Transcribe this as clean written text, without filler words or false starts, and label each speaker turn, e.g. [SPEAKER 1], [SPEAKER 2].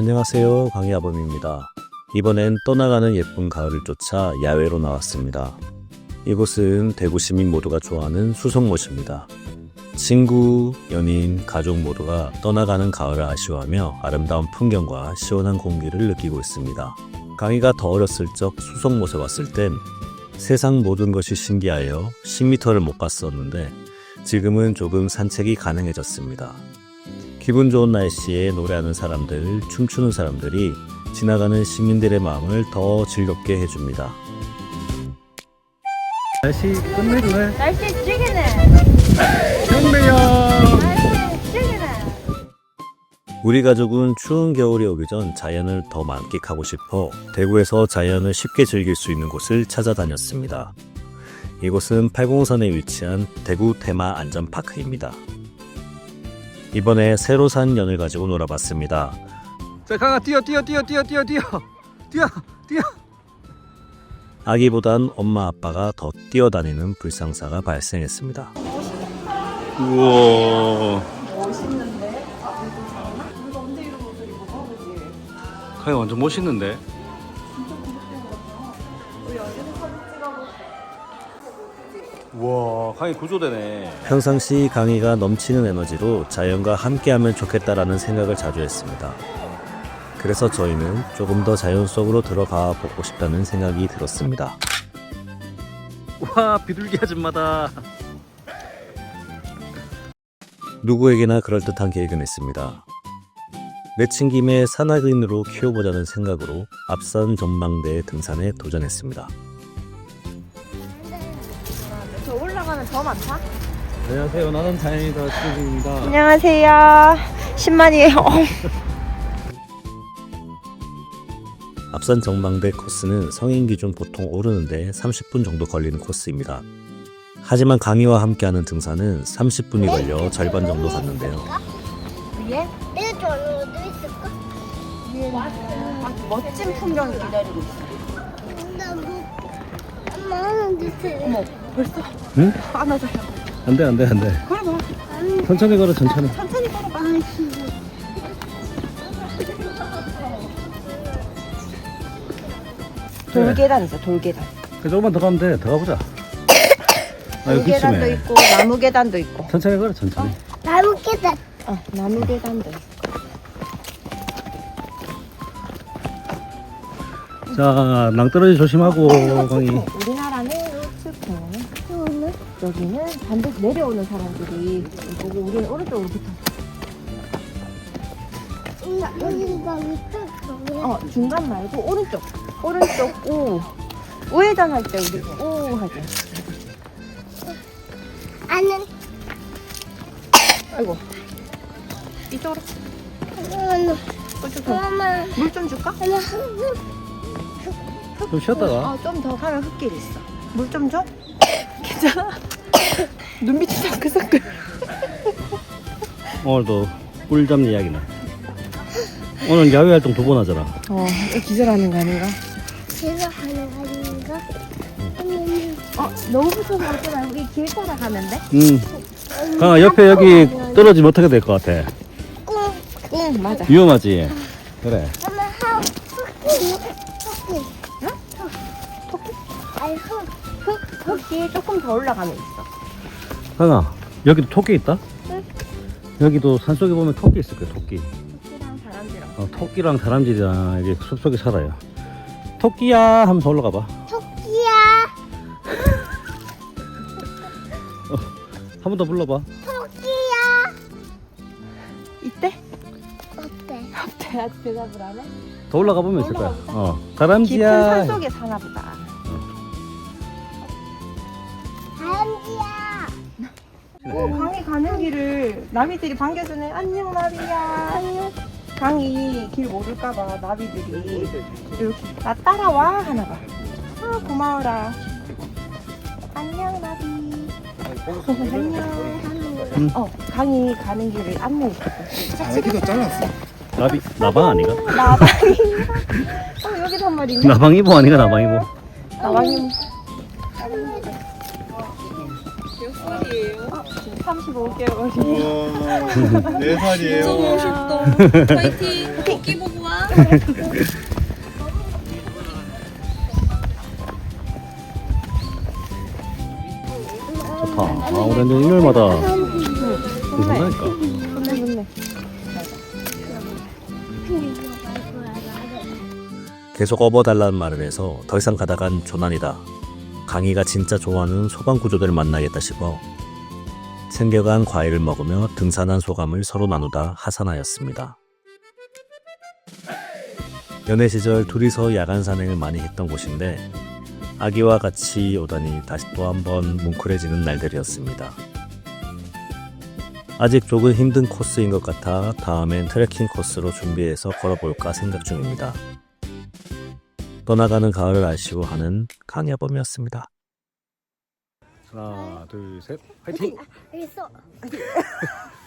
[SPEAKER 1] 안녕하세요, 강희아범입니다. 이번엔 떠나가는 예쁜 가을을 쫓아 야외로 나왔습니다. 이곳은 대구 시민 모두가 좋아하는 수성못입니다. 친구, 연인, 가족 모두가 떠나가는 가을을 아쉬워하며 아름다운 풍경과 시원한 공기를 느끼고 있습니다. 강희가 더 어렸을 적 수성못에 왔을 땐 세상 모든 것이 신기하여 10m를 못 갔었는데 지금은 조금 산책이 가능해졌습니다. 기분 좋은 날씨에 노래하는 사람들, 춤추는 사람들이 지나가는 시민들의 마음을 더 즐겁게 해줍니다. 날씨 끝내주네.
[SPEAKER 2] 날씨 찌기네.
[SPEAKER 1] 좋네요.
[SPEAKER 2] 날씨 찌기네.
[SPEAKER 1] 우리 가족은 추운 겨울이 오기 전 자연을 더 만끽하고 싶어 대구에서 자연을 쉽게 즐길 수 있는 곳을 찾아다녔습니다. 이곳은 팔공선에 위치한 대구 테마 안전파크입니다. 이번에 새로 산 연을 가지고 놀아봤습니다.
[SPEAKER 3] 자, 강아 뛰어.
[SPEAKER 1] 아기보단 엄마 아빠가 더 뛰어다니는 불상사가 발생했습니다.
[SPEAKER 3] 우와.
[SPEAKER 2] 멋있는데? 아, 이거 잘하나? 우리가 언제 이런 옷을 입어? 그지?
[SPEAKER 3] 강아 완전 멋있는데?
[SPEAKER 2] 진짜 구독된 거죠? 우리 어디서 사진 찍어볼까?
[SPEAKER 3] 우와, 강이 구조되네.
[SPEAKER 1] 평상시 강희가 넘치는 에너지로 자연과 함께하면 좋겠다라는 생각을 자주 했습니다. 그래서 저희는 조금 더 자연 속으로 들어가 보고 싶다는 생각이 들었습니다.
[SPEAKER 3] 와, 비둘기 아줌마다.
[SPEAKER 1] 누구에게나 그럴듯한 계획은 있습니다. 내친 김에 산악인으로 키워보자는 생각으로 앞산 전망대 등산에 도전했습니다.
[SPEAKER 2] 저 올라가면 더 많다?
[SPEAKER 3] 안녕하세요. 나는 다행이다. 수진입니다.
[SPEAKER 2] 안녕하세요. 10만이에요.
[SPEAKER 1] 앞산 전망대 코스는 성인 기준 보통 오르는데 30분 정도 걸리는 코스입니다. 하지만 강희와 함께하는 등산은 30분이 걸려 절반 정도 갔는데요.
[SPEAKER 2] 위에?
[SPEAKER 4] 내가 저기도 있을까?
[SPEAKER 2] 위에 아주 멋진 풍경이 기다리고 있어.
[SPEAKER 4] 나 뭐, 엄마 하나 주세요.
[SPEAKER 2] 어머, 벌써?
[SPEAKER 1] 응?
[SPEAKER 2] 안아줘요.
[SPEAKER 1] 안돼.
[SPEAKER 2] 그래 봐.
[SPEAKER 1] 천천히 걸어 천천히.
[SPEAKER 2] 천천히 걸어봐. 돌계단 있어, 돌계단.
[SPEAKER 1] 조금만 더 가면 돼. 더 가보자.
[SPEAKER 2] 돌계단도 있고 나무 계단도 있고.
[SPEAKER 1] 천천히 걸어 천천히.
[SPEAKER 4] 나무 깨다.
[SPEAKER 2] 나무 계단도 있고.
[SPEAKER 1] 자, 낭떠러지 조심하고 강희.
[SPEAKER 2] 우리나라는 우측 여기는 반드시 내려오는 사람들이 보고 우리는 오른쪽으로 붙어.
[SPEAKER 4] 여기가 밑에
[SPEAKER 2] 중간 말고 오른쪽 우 우회전 할 때 우리 우 하지.
[SPEAKER 4] 아는
[SPEAKER 2] 아이고 이쪽으로
[SPEAKER 4] 엄마
[SPEAKER 2] 물 좀 줄까?
[SPEAKER 1] 좀 쉬었다가.
[SPEAKER 2] 좀 더 가면 흙길 있어. 물 좀 줘? 괜찮아? 눈빛이 사끌사끌.
[SPEAKER 1] 오늘도 꿀 잡는 이야기네. 오늘 야외 활동 2번 하잖아.
[SPEAKER 2] 기절하는 거 아닌가?
[SPEAKER 4] 제가 하는 거 아닌가?
[SPEAKER 2] 너무 붙어서 가지 말고 이 길 따라가면 돼?
[SPEAKER 1] 강아 옆에 여기 떨어지면 어떻게 될 것 같아?
[SPEAKER 2] 응 맞아.
[SPEAKER 1] 위험하지? 그래.
[SPEAKER 4] 엄마 토끼. 아니
[SPEAKER 2] 흙이 조금 더 올라가면 있어.
[SPEAKER 1] 강아 여기도 토끼 있다?
[SPEAKER 4] 응.
[SPEAKER 1] 여기도 산속에 보면 토끼 있을 거야. 토끼.
[SPEAKER 2] 토끼랑 사람들이랑.
[SPEAKER 1] 토끼랑 다람쥐랑 이게 숲속에 살아요. 토끼야 하면서 올라가 봐.
[SPEAKER 4] 토끼야.
[SPEAKER 1] 한 번 더 불러봐.
[SPEAKER 4] 토끼야.
[SPEAKER 2] 이때?
[SPEAKER 4] 어때?
[SPEAKER 2] 어때? 아직 대답을 안 해?
[SPEAKER 1] 더 올라가 보면 있을 거야.
[SPEAKER 2] 올라가 깊은
[SPEAKER 1] 다람쥐야.
[SPEAKER 2] 산속에 사나 보다.
[SPEAKER 4] 다람쥐야.
[SPEAKER 2] 강이 가는 길을 나비들이 반겨주네. 안녕 나비야. 강이 길 모를까봐 나비들이 이렇게 나 따라와 하나봐. 고마워라. 안녕 나비. 안녕. 강이 가는 길을 안내해줄게.
[SPEAKER 3] 여기도 잘랐어.
[SPEAKER 1] 나방 아니가?
[SPEAKER 2] 나방이. 여기도 한 마리 있네.
[SPEAKER 1] 나방이보 아니가 나방이보?
[SPEAKER 2] 나방이. 지금 35개월이에요.
[SPEAKER 3] 4살이에요.
[SPEAKER 5] 너무 멋있다. 파이팅. 토끼 보고 와.
[SPEAKER 3] 좋다. 아, 우리 완전 일요일마다 괜찮다니까.
[SPEAKER 2] 좋네.
[SPEAKER 1] 계속 업어달라는 말을 해서 더 이상 가다간 조난이다. 강희가 진짜 좋아하는 소방구조대를 만나겠다 싶어 챙겨간 과일을 먹으며 등산한 소감을 서로 나누다 하산하였습니다. 연애 시절 둘이서 야간 산행을 많이 했던 곳인데 아기와 같이 오다니 다시 또 한번 뭉클해지는 날들이었습니다. 아직 조금 힘든 코스인 것 같아 다음엔 트레킹 코스로 준비해서 걸어볼까 생각 중입니다. 떠나가는 가을을 아쉬워하는 강야범이었습니다.
[SPEAKER 3] 하나, 둘, 셋, 파이팅!
[SPEAKER 4] 있어.